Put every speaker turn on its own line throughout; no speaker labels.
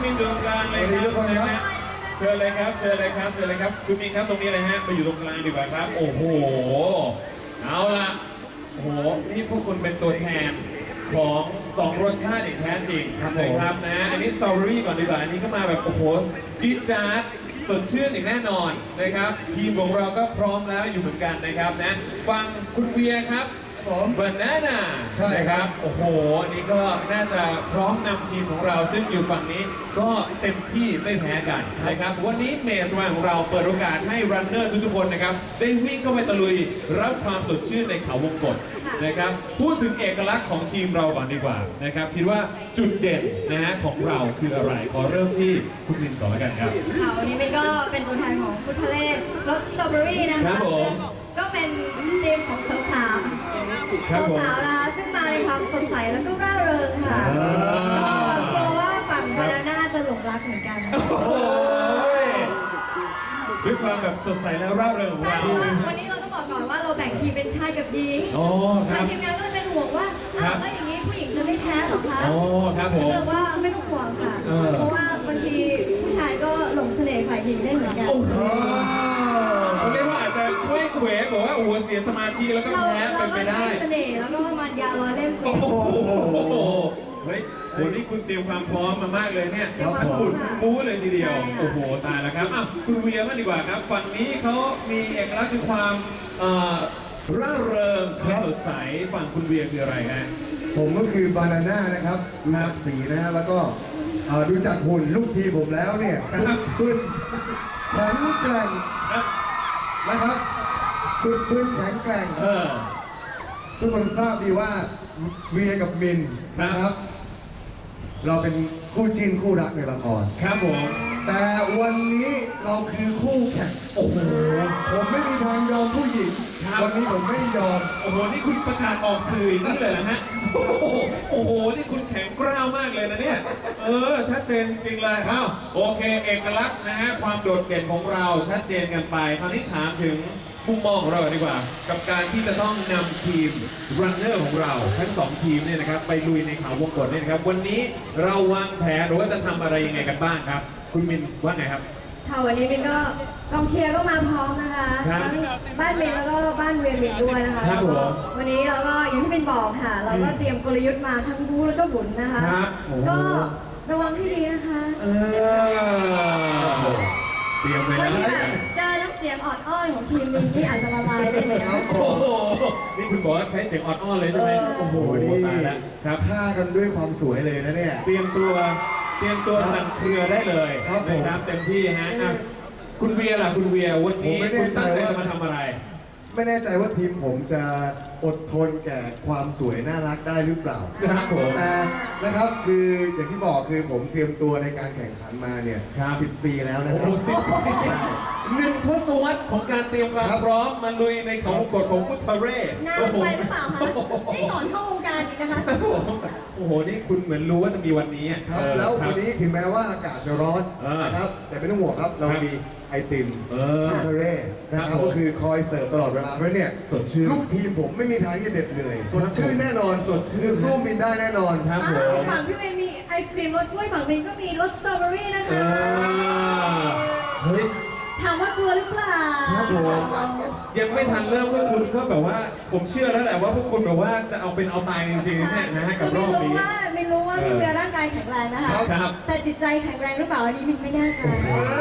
มินตรงกลางเลยครับนะฮะเชิญเลยครับเชิญเลยครับเชิญเลยครับคุณมินครับตรงนี้เลยฮะไปอยู่ตรงกลางดีกว่าครับโอ้โหเอาละโอ้โหนี่พวกคุณเป็นตัวแทนของ2รสชาติอย่างแท้จริงนะครับนะอันนี้สตรอเบอรี่ก่อนดีกว่าอันนี้ก็มาแบบโอ้โหจี๊ดจ๊าดสดชื่นอย่างแน่นอนนะครับทีมของเราก็พร้อมแล้วอยู่เหมือนกันนะครับนะฟังคุณเวียครับบานาน่าใช่ครับโอ้โหอันนี้ก็น่าจะพร้อมนำทีมของเราซึ่งอยู่ฝั่งนี้ก็เต็มที่ไม่แพ้กันนะครับวันนี้เมสวานของเราเปิดโอกาสให้รันเนอร์ทุกๆคนนะครับได้วิ่งเข้าไปตะลุยรับความสดชื่นในเขาวงกตนะครับพูดถึงเอกลักษณ์ของทีมเราก่อนดีกว่านะครับคิดว่าจุดเด่นนะฮะของเราคืออะไรขอเริ่มที่คุณลินก่อนแล้วกันครับ
ค่ะวันนี้เมย์ก็เป็นตัวแทนของฟุตทะเลรสสตรอเบอรี่นะคะ
ครับผม
ก็เป็นทีมของสาวๆสาวนะคะซึ่งมาในความสดใสแล้วก็ร่าเริงค่ะก็กลัวว่าฝั่งบานาน่าจะหลงรักเหมือนกัน
ด้วยความแบบสดใสและร่าเริงของ
ใช่
เรา
เพราะว่าวันนี้เราต้องบอกก่อนว่าเราแบ่งทีมเป็นชายกับหญิงทางทีมงานก็เลยเป็นห่วงว่าถ้าอย่างนี้ผู้หญิงจะไม่แพ้หรอคะ
ครับผม
เรียกว่าไม่ต้องห่วงค่ะเพราะว่าบางทีผู้ชายก็หลงเสน่ห์ฝ่ายหญิงได้เหมือนกัน
เรียกว่าอาจจะเว้ยเขวบอกว่าโอ้โหเสียสมาธิแล้วก็แพ้เป็นไปได้
เสน่ห์แล้วก็มันยาล้อเล่น
โอ้โหเฮ้ยวันนี้คุณเตรียมความพร้อมมามากเลยเนี่ยทั้งขุดบู๊เลยทีเดียวโอ้โหตายแล้วครับคุณเวียมากดีกว่าครับฝั่งนี้เขามีเอกลักษณ์คือความร่าเริงความสดใสฝั่งคุณเวียคืออะไรฮะ
ผมก็คือบานาน่านะครับนับสีนะฮะแล้วก็ดูจากหุ่นลูกทีผมแล้วเนี่ยคุณแข็งแกร่งนะครับคุณแข็งแกร่งทุกคนทราบดีว่าเวียกับมินนะครับเราเป็นคู่จิ้นคู่รักในละคร
ครับผม
แต่วันนี้เราคือคู่แข่งโอ้โหผมไม่มีทางยอมผู้หญิงวันนี้ผมไม่ยอม
โอ้โหนี่คุณประกาศออกสื่อนี่เลยนะฮะโอ้โหนี่คุณแข็งกร้าวมากเลยนะเนี่ยชัดเจนจริงๆเลยโอเคเอกลักษณ์นะฮะความโดดเด่นของเราชัดเจนกันไปคราวนี้ถามถึงมุมมองของเราดีกว่ากับการที่จะต้องนำทีมรันเนอร์ของเราทั้ง2ทีมเนี่ยนะครับไปลุยในเขาวงกตเนี่ยนะครับวันนี้เราวางแผนหรือว่าจะทำอะไรยังไงกันบ้างครับคุณมินว่าไงครับ
ค่ะวันนี้มินก็กองเชียร์ก็มาพร้อมนะคะบ้านมินแล้วก็บ้านเวียนมินด้วยนะคะวันนี้เราก็อย่างที่มินบอกค่ะเราก็เตรียมกลยุทธ์มาทั้งบู๊แล้วก็บุญนะคะก็ระวังให้ดีนะคะ
เตรียมเลยนะ
เจอน้ำเสียงออดอ้อนของทีมมินที่อาจจะละลายได้เลยนะ
โอ้โหนี่คุณบอกว่าใช้เสียงออดอ้อนเลยใช่ไหม
โอ้โหนี่ตายแล้วครับฆ่ากันด้วยความสวยเลยนะเนี่ย
เตรียมตัวสั่นเครือได้เลยนะครับเต็มที่ฮะคุณเวียล่ะคุณเวียวันนี้คุณตั้งใจจะมาทำอะไร
ไม่แน่ใจว่าทีมผมจะอดทนแก่ความสวยน่ารักได้หรือเปล่า
ครับผม
แต่นะครับคืออย่างที่บอกคือผมเตรียมตัวในการแข่งขันมาเนี่ย10 ปีแล้วนะครับ
1 ทศวรรษของการเตรียมความพร้อมมาลุยในเขาวงกตของฟุตเทเร่
นานไปหรือเปล่าคะนี่ก่อนเข้าวงการอีกนะคะ
โอ้โหนี่คุณเหมือนรู้ว่าจะมีวันนี้
ครับแล้ววันนี้ถึงแม้ว่าอากาศจะร้อนนะครับแต่ไม่ต้องห่วงครับเรามีไอติมฟุตเทเร่นะครับก็คือคอยเสิร์ฟตลอดเวลาเพราะเนี่ย
สดชื่น
ลูกทีมผมไม่มีทางที่จะเด็ดเหนื่อยสดชื่นแน่นอน
สดชื่น
สู้มินได้แน่นอน
ครับ
ฝั่งพี่เมย์มีไอศครีมรสกล้วยฝั่งมินก็มีรสสตรอเบอรี่นะคะ
เฮ้ย
ถามว่ากลัวหรือเปล่า
ยังไม่ทันเริ่มก็คุณก็แบบว่าผมเชื่อแล้วแหละว่าพวกคุณแบบว่าจะเอาเป็นเอาตายจริงๆเนี่ยนะฮะกับรอบนี้
ไม่รู้ว่าพี่เวียร่างกายแข็งแรงนะคะแต่จิตใจแข็งแรงหรือเปล่าอันนี้มินไม่แน่ใจ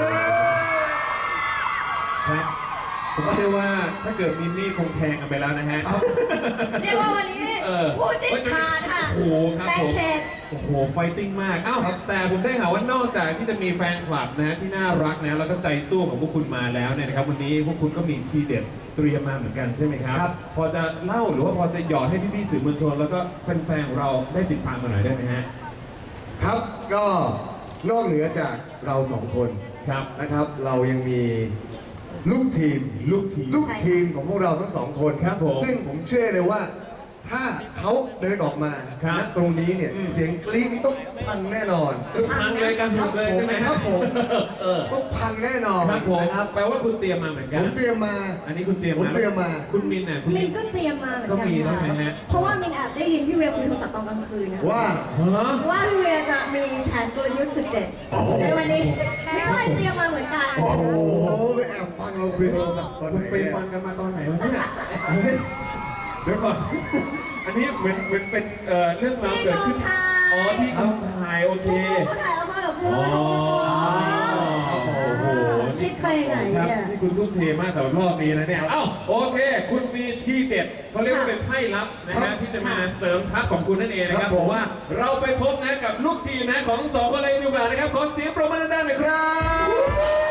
ผมเชื่อว่าถ้าเกิดมินนี่คงแทงกันไปแล้วนะฮะ
เรียกว่าวันนี้คู่จิ้นขาดค่ะ
โอ้โหครับผมโอ้โหไฟติ้งมากแต่ผมได้ข่าวว่านอกจากที่จะมีแฟนคลับนะที่น่ารักนะแล้วก็ใจสู้ของพวกคุณมาแล้วเนี่ยนะครับวันนี้พวกคุณก็มีทีเด็ดเตรียมมาเหมือนกันใช่ไหมครับพอจะเล่าหรือว่าพอจะหยอดให้พี่ๆสื่อมวลชนแล้วก็แฟนๆของเราได้ติดตามกันหน่อยได้ไหมฮะ
ครับก็นอกเหนือจากเรา2 คนนะครับเรายังมีลูกทีมของพวกเราทั้ง2 คน
ครับผม
ซึ่งผมเชื่อเลยว่าถ้าเขาเดินออกมา
ครับ
ณตรงนี้เนี่ยเสียงกรี๊ดนี่ต้องพังแน่นอน
พังเลยกันหมดเลยใช่ไหม
ครับผม ต้องพังแน่นอน
ครับผม
นะครับ
แปลว่าคุณเตรียมมาเหมือน
ผ
กัน
มเตรียมมา
อันนี้คุณเตรียม
ผมเตรียมมา
คุณมินน่ะคุณ
มิ
มิ
น
น
ก็เตรียมมาเหมือน
ก็
กัน
มีใช่ไหมฮะ
เพราะว่ามินแอบได้ยินพี่เวียคุยโทรศัพท์ตอนกลางคืนนะ
ว่า
ฮะ
ว่าพี่เวียจะมีแผนกลยุทธ์สุดเด็ดในวันนี้มินก็เลยเตรียมมาเหมือนกัน
โอ้โหแอบฟังเราคุยโทรศัพท์ตอนไหน
คุณไป
เนี่ย
ฟันกันมาตอนไหนวะเนี่ยเฮ้ยเดี๋ยวก่อน อันนี้เหมือนเป็นเรื่องราว
ที่
เกิ
ก
ด
อง
ขึ้น
ถ่าย
อ๋อที่กองถ่ายโอเค
ทุกคนก็ถ่ายออกมาแบบเพื่
อ๋
อ
อน โอ้โห
คิดไปไหน
ครับ
เนี่ย
นี่คุณทุ่มเทมากสำหรับรอบนี้นะเนี่ย เอ้าโอเค คุณมีที่เด็ดเขาเรียกว่าเป็นไพ่ลับนะฮะที่จะมาเสริมทัพของคุณนั่นเองนะครับผมว่าเราไปพบนะกับลูกทีมนะของสองคนเลยดีกว่านะครับขอเสียงปรบมือด้านๆหน่อยครับ